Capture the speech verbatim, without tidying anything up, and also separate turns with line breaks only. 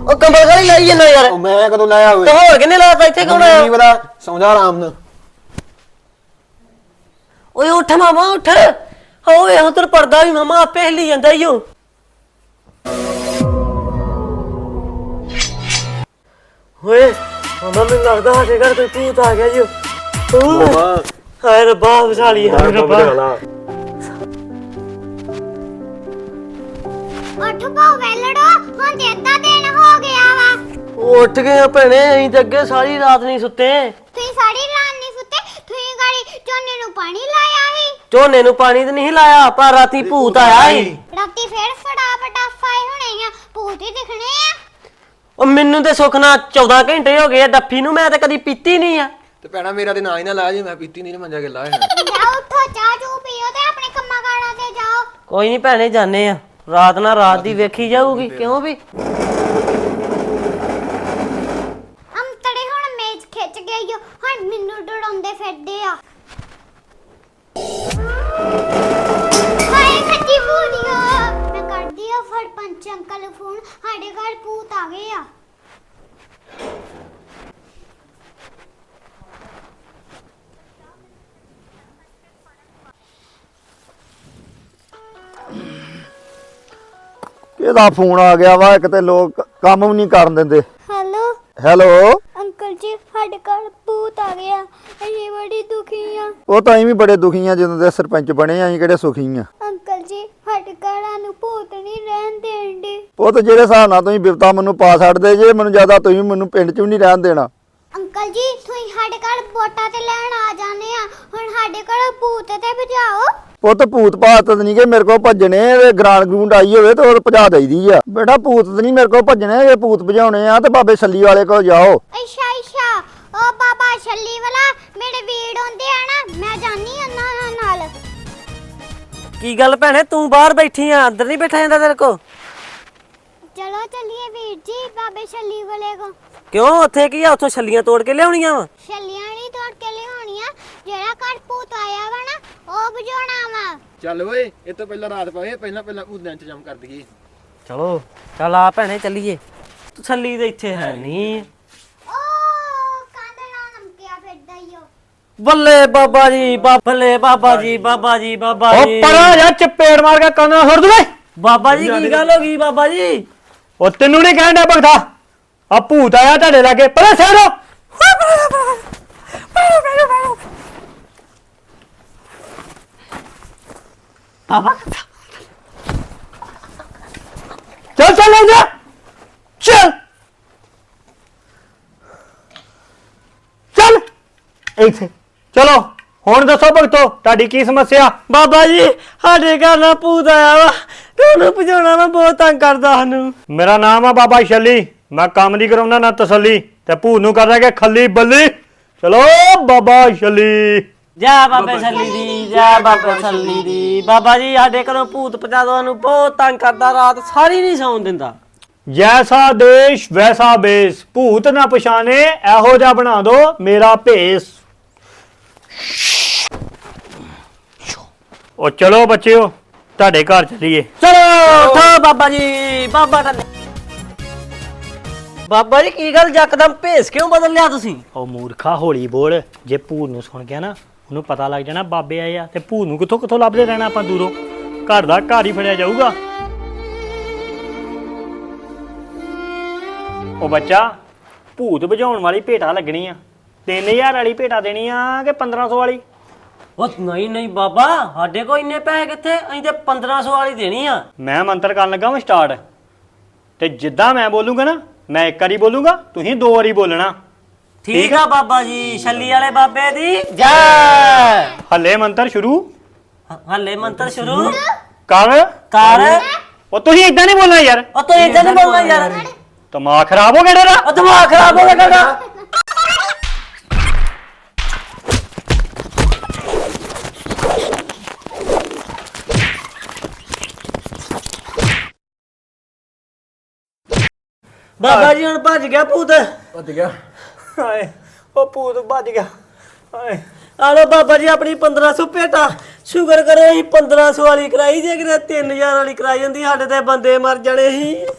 ਉਹ ਕੰਬਲ ਕਾਲੀ ਲਾਈ ਜਾਂਦਾ ਯਾਰ।
ਉਹ ਮੈਂ ਕਦੋਂ ਲਾਇਆ ਹੋਵੇ?
ਤੇ ਹੋਰ ਕਿੰਨੇ ਲਾਤਾ ਇੱਥੇ ਕੌਣ ਆਇਆ?
ਨਹੀਂ ਪਤਾ, ਸੌਂ ਜਾ ਆਰਾਮ ਨਾਲ।
ਓਏ ਉੱਠ ਮਾਮਾ ਉੱਠ। ਓਏ ਹਾਂ ਤੇਰਾ ਪਰਦਾ ਵੀ ਮਾਮਾ ਆਪੇ ਹਿੱਲੀ ਜਾਂਦਾ ਈ ਓ। ਓਏ ਮਾਮਾ ਮੈਨੂੰ ਲੱਗਦਾ ਸਾਡੇ ਘਰ ਕੋਈ ਭੂਤ ਆ ਗਿਆ ਈ ਓ।
ਮਾਮਾ
ਹਾਏ ਰੱਬਾ ਵਿਸਾਲੀ ਹਾਏ ਰੱਬਾ।
ਉੱਠ ਪੋ ਵੇਲੜੋ, ਹੁਣ ਤੇ ਅੱਧਾ ਦਿਨ ਹੋ ਗਿਆ ਵਾ।
ਉੱਠ ਗਏ ਭੈਣੇ, ਅਸੀਂ ਤੇ ਅੱਗੇ ਸਾਰੀ ਰਾਤ ਨਹੀਂ ਸੁੱਤੇ।
ਤੁਸੀਂ ਸਾਰੀ ਰਾਤ ਨਹੀਂ ਸੁੱਤੇ? ਤੁਸੀਂ ਗਾੜੀ ਝੋਨੇ ਨੂੰ ਪਾਣੀ ਲਾਇਆ ਸੀ?
ਝੋਨੇ ਨੂੰ ਪਾਣੀ ਤੇ ਨਹੀਂ ਲਾਇਆ, ਪਰ ਰਾਤੀ ਭੂਤ ਆਇਆ ਸੀ।
ਰਾਤੀ ਫੇਰ ਫਟਾਫਟ ਆਫਾਏ ਹੋਣੇ ਆ, ਭੂਤ ਹੀ ਦਿਖਣੇ ਆ।
ਉਹ ਮੈਨੂੰ ਤੇ ਸੁੱਖ ਨਾਲ ਚੌਦਾਂ ਘੰਟੇ ਹੋ ਗਏ ਡੱਫੀ ਨੂੰ, ਮੈਂ ਤੇ ਕਦੀ ਪੀਤੀ ਨਹੀਂ ਆ।
ਤੇ ਭੈਣਾ ਮੇਰਾ ਤੇ ਨਾ ਹੀ ਨਾ ਲਾਇਆ ਜੀ, ਮੈਂ ਪੀਤੀ ਨਹੀਂ ਮੰਜਾ ਕੇ ਲਾਇਆ।
ਜਾਓ ਉੱਠੋ, ਚਾਹ ਚੂ ਪੀਓ ਤੇ ਆਪਣੇ ਕੰਮਾਂ ਕਾਰਾਂ ਤੇ ਜਾਓ।
ਕੋਈ ਨਹੀਂ ਭੈਣੇ, ਜਾਣੇ ਆ। ਰਾਤ ਨਾਲ ਰਾਤ ਦੀ ਵੇਖੀ ਜਾਊਗੀ, ਕਿਉਂ ਵੀ।
ਅੰਤੜੇ ਹੁਣ ਮੇਜ਼ ਖਿੱਚ ਗਈ ਓ, ਹੁਣ ਮੈਨੂੰ ਡਰਾਉਂਦੇ ਫਿਰਦੇ ਆ। ਹਾਏ ਸੱਚੀ ਭੂਤੀਆ, ਮੈਂ ਕਰਦੀ ਆ ਫੜ ਪੰਚ ਅੰਕਲ ਨੂੰ ਫੋਨ, ਸਾਡੇ ਘਰ ਭੂਤ ਆ ਗਏ ਆ।
ਕਿਹਦਾ ਫੋਨ ਆ ਗਿਆ ਵਾ? ਇੱਕ ਤੇ ਲੋਕ ਕੰਮ ਵੀ ਨਹੀਂ ਕਰਨ ਦਿੰਦੇ।
ਹੈਲੋ
ਹੈਲੋ,
ਅੰਕਲ ਜੀ, ਸਾਡੇ ਘਰ ਭੂਤ ਆ ਗਿਆ, ਅਸੀਂ ਬੜੀ ਦੁਖੀ ਆ।
ਉਹ ਤਾਂ ਅਸੀਂ ਵੀ ਬੜੇ ਦੁਖੀ ਆ, ਜਦੋਂ ਦੇ ਸਰਪੰਚ ਬਣੇ ਆ। ਅਸੀਂ ਕਿਹੜੇ ਸੁਖੀ ਆ?
ਅੰਕਲ ਜੀ, ਸਾਡੇ ਘਰਾਂ ਨੂੰ ਭੂਤ ਨਹੀਂ ਰਹਿਣ ਦੇਣਦੇ।
ਉਹ ਤਾਂ ਜਿਹੜੇ ਹਿਸਾਬ ਨਾਲ ਤੁਸੀਂ ਬਿਪਤਾ ਮੈਨੂੰ ਪਾ ਛੱਡਦੇ ਜੇ, ਮੈਨੂੰ ਜ਼ਿਆਦਾ ਤੁਸੀਂ ਮੈਨੂੰ ਪਿੰਡ 'ਚ ਵੀ ਨਹੀਂ ਰਹਿਣ ਦੇਣਾ।
ਅੰਕਲ ਜੀ, ਤੁਸੀਂ ਸਾਡੇ ਘਰ ਵੋਟਾਂ ਤੇ ਲੈਣ ਆ ਜਾਂਦੇ ਆ, ਹੁਣ ਸਾਡੇ ਘਰ ਭੂਤ ਤੇ ਭਜਾਓ।
ਪੁੱਤ ਭੂਤ ਭਾਤ ਨਹੀਂ ਕਿ ਮੇਰੇ ਕੋਲ ਭੱਜਣੇ, ਤੇ ਗਰਾਂਡ ਗਰੂੰਡ ਆਈ ਹੋਵੇ ਤੇ ਉਹ ਭਜਾ ਦੇਈਦੀ ਆ। ਬੇਟਾ ਭੂਤ ਤੇ ਨਹੀਂ ਮੇਰੇ ਕੋਲ ਭੱਜਣੇ, ਜੇ ਭੂਤ ਭਜਾਉਣੇ ਆ ਤੇ ਬਾਬੇ ਛੱਲੀ ਵਾਲੇ ਕੋਲ ਜਾਓ।
ਅੱਛਾ ਅੱਛਾ, ਉਹ ਬਾਬਾ ਛੱਲੀ ਵਾਲਾ ਮੇਰੇ ਵੀੜ ਹੁੰਦੇ ਆ ਨਾ, ਮੈਂ ਜਾਨੀ ਉਹਨਾਂ ਨਾਲ।
ਕੀ ਗੱਲ ਭੈਣੇ, ਤੂੰ ਬਾਹਰ ਬੈਠੀ ਆ, ਅੰਦਰ ਨਹੀਂ ਬੈਠਾ ਜਾਂਦਾ ਤੇਰੇ ਕੋ?
ਚਲੋ ਚੱਲੀਏ ਵੀਰ ਜੀ ਬਾਬੇ ਛੱਲੀ ਵਾਲੇ ਕੋ।
ਕਿਉਂ, ਉੱਥੇ ਕੀ ਆ? ਉੱਥੋਂ ਛੱਲੀਆਂ ਤੋੜ ਕੇ ਲਿਆਉਣੀਆਂ ਵਾ?
ਛੱਲੀਆਂ ਨਹੀਂ ਤੋੜ ਕੇ ਲਿਆਉਣੀਆਂ, ਜਿਹੜਾ ਘਰ ਭੂਤ ਆਇਆ ਵਾ ਨਾ, ਉਹ ਭਜਾਉਣਾ ਵਾ।
ਚੱਲ ਓਏ, ਇਹ ਤੋਂ ਪਹਿਲਾਂ ਰਾਤ ਪਵੇ, ਪਹਿਲਾਂ ਪਹਿਲਾਂ ਭੂਤ ਦਾ ਇੰਤਜ਼ਾਮ ਕਰ ਦਈਏ।
ਚਲੋ ਚੱਲ ਆ ਭੈਣੇ, ਚੱਲੀਏ। ਤੂੰ ਛੱਲੀ ਤੇ ਇੱਥੇ ਹੈ ਨਹੀਂ।
ਉਹ ਕੰਧ ਨਾਲ ਨਮਕਿਆ ਫਿਰਦਾ ਈ ਓ।
ਬੱਲੇ ਬਾਬਾ ਜੀ, ਬੱਲੇ ਬਾਬਾ ਜੀ, ਬਾਬਾ ਜੀ, ਬਾਬਾ
ਉਹ
ਜੀ।
ਪਰਾਂ ਜਾ, ਚਪੇੜ ਮਾਰ ਕੇ ਕੰਨ ਨਾਲ ਸੁੱਟ ਦੇ।
ਬਾਬਾ ਜੀ ਕੀ ਗੱਲ ਹੋ ਗਈ ਬਾਬਾ ਜੀ?
ਉਹ ਤੈਨੂੰ ਨਹੀਂ ਕਹਿਣ ਡਿਆ ਭਗਤਾ, ਆ ਭੂਤ ਆਇਆ ਤੁਹਾਡੇ ਲਾਗੇ, ਪਰਾਂ ਸਹਿਰੋ।
ਬਾਬਾ
ਚੱਲ ਚੱਲ ਲੈ ਜਾ, ਚੱਲ ਚੱਲ ਇੱਥੇ। ਚਲੋ ਹੁਣ ਦੱਸੋ ਭਗਤੋ, ਤੁਹਾਡੀ ਕੀ ਸਮੱਸਿਆ?
ਬਾਬਾ ਜੀ, ਸਾਡੇ ਘਰ ਨਾ ਭੂਤ ਆਇਆ ਵਾ, ਤੇ ਉਹਨੂੰ ਭਜਾਉਣਾ ਵਾ, ਬਹੁਤ ਤੰਗ ਕਰਦਾ ਸਾਨੂੰ।
ਮੇਰਾ ਨਾਮ ਆ ਬਾਬਾ ਛੱਲੀ, ਮੈਂ ਕੰਮ ਦੀ ਕਰਾਉਣਾ ਨਾ ਤਸੱਲੀ, ਤੇ ਭੂਤ ਨੂੰ ਕਰਦਾ ਕਿ ਖੱਲੀ ਬੱਲੀ। ਚਲੋ ਬਾਬਾ ਛੱਲੀ।
ਜਾ ਬਾਬੇ ਛੱਲੀ ਦੀ, ਜਾ ਬਾਬੇ ਛੱਲੀ ਦੀ। ਬਾਬਾ ਜੀ, ਸਾਡੇ ਘਰੋਂ ਭੂਤ ਭਜਾ ਦੋ, ਸਾਨੂੰ ਬਹੁਤ ਤੰਗ ਕਰਦਾ, ਰਾਤ ਸਾਰੀ ਨਹੀਂ ਸੌਣ ਦਿੰਦਾ।
ਜੈਸਾ ਦੇਸ਼ ਵੈਸਾ ਬੇਸ, ਭੂਤ ਨਾ ਪਛਾਣੇ, ਇਹੋ ਜਿਹਾ ਬਣਾ ਦੋ ਮੇਰਾ ਭੇਸ। ਉਹ ਚਲੋ ਬੱਚਿਓ, ਤੁਹਾਡੇ ਘਰ ਚੱਲੀਏ।
ਚਲੋ ਉਠੋ ਬਾਬਾ ਜੀ, ਬਾਬਾ ਦਾ। ਬਾਬਾ ਜੀ ਕੀ ਗੱਲ, ਯਕਦਮ ਭੇਸ ਕਿਉਂ ਬਦਲ ਲਿਆ ਤੁਸੀਂ?
ਉਹ ਮੂਰਖਾ ਹੌਲੀ ਬੋਲ, ਜੇ ਭੂਤ ਨੂੰ ਸੁਣ ਗਿਆ ਨਾ, ਉਹਨੂੰ ਪਤਾ ਲੱਗ ਜਾਣਾ ਬਾਬੇ ਆਏ ਆ, ਤੇ ਭੂਤ ਨੂੰ ਕਿੱਥੋਂ ਕਿੱਥੋਂ ਲੱਭਦੇ ਰਹਿਣਾ ਆਪਾਂ ਦੂਰੋਂ। ਘਰ ਦਾ ਘਰ ਹੀ ਫੜਿਆ ਜਾਊਗਾ। ਉਹ ਬੱਚਾ, ਭੂਤ ਭਜਾਉਣ ਵਾਲੀ ਭੇਟਾ ਲੱਗਣੀ ਆ, ਤਿੰਨ ਹਜ਼ਾਰ ਵਾਲੀ ਭੇਟਾ ਦੇਣੀ ਆ ਕਿ ਪੰਦਰਾਂ ਸੌ ਵਾਲੀ?
ਉਹ ਨਹੀਂ ਨਹੀਂ ਬਾਬਾ, ਸਾਡੇ ਕੋਲ ਇੰਨੇ ਪੈਸੇ ਕਿੱਥੇ, ਅਸੀਂ ਤੇ ਪੰਦਰਾਂ ਸੌ ਵਾਲੀ ਦੇਣੀ ਆ।
ਮੈਂ ਮੰਤਰ ਕਰਨ ਲੱਗਾ ਵਾਂ ਸਟਾਰਟ, ਤੇ ਜਿੱਦਾਂ ਮੈਂ ਬੋਲੂਗਾ ਨਾ, ਮੈਂ ਇੱਕ ਵਾਰੀ ਬੋਲੂਗਾ, ਤੁਸੀਂ ਦੋ ਵਾਰੀ ਬੋਲਣਾ।
ਠੀਕ ਆ ਬਾਬਾ ਜੀ, ਛੱਲੀ ਵਾਲੇ ਬਾਬੇ ਦੀ ਜੈ।
ਹੱਲੇ ਮੰਤਰ ਸ਼ੁਰੂ
ਹੱਲੇ ਮੰਤਰ ਸ਼ੁਰੂ
ਕਰ
ਕਰ।
ਉਹ ਤੁਸੀਂ ਏਦਾਂ ਨਹੀਂ ਬੋਲਣਾ ਯਾਰ,
ਉਹ ਤੂੰ ਇਦਾਂ ਨਹੀਂ ਬੋਲਣਾ ਯਾਰ,
ਦਿਮਾਗ ਖਰਾਬ ਹੋ ਗਿਆ ਤੇਰਾ।
ਉਹ ਦਿਮਾਗ ਖਰਾਬ ਹੋ ਗਿਆ ਤੁਹਾਡਾ। ਬਾਬਾ ਜੀ ਹੁਣ ਭੱਜ ਗਿਆ ਭੂਤ।
ਭੱਜ ਗਿਆ।
ਹਾਏ, ਉਹ ਭੂਤ ਭੱਜ ਗਿਆ। ਹਾਏ,
ਆ ਲੋ ਬਾਬਾ ਜੀ ਆਪਣੀ ਪੰਦਰਾਂ ਸੌ ਭੇਟਾ। ਸ਼ੁਕਰ ਕਰੋ ਅਸੀਂ ਪੰਦਰਾਂ ਸੌ ਵਾਲੀ ਕਰਾਈ, ਜੇ ਕਿਤੇ ਤਿੰਨ ਹਜ਼ਾਰ ਵਾਲੀ ਕਰਾਈ ਹੁੰਦੀ ਸਾਡੇ ਤੇ ਬੰਦੇ ਮਰ ਜਾਣੇ ਸੀ।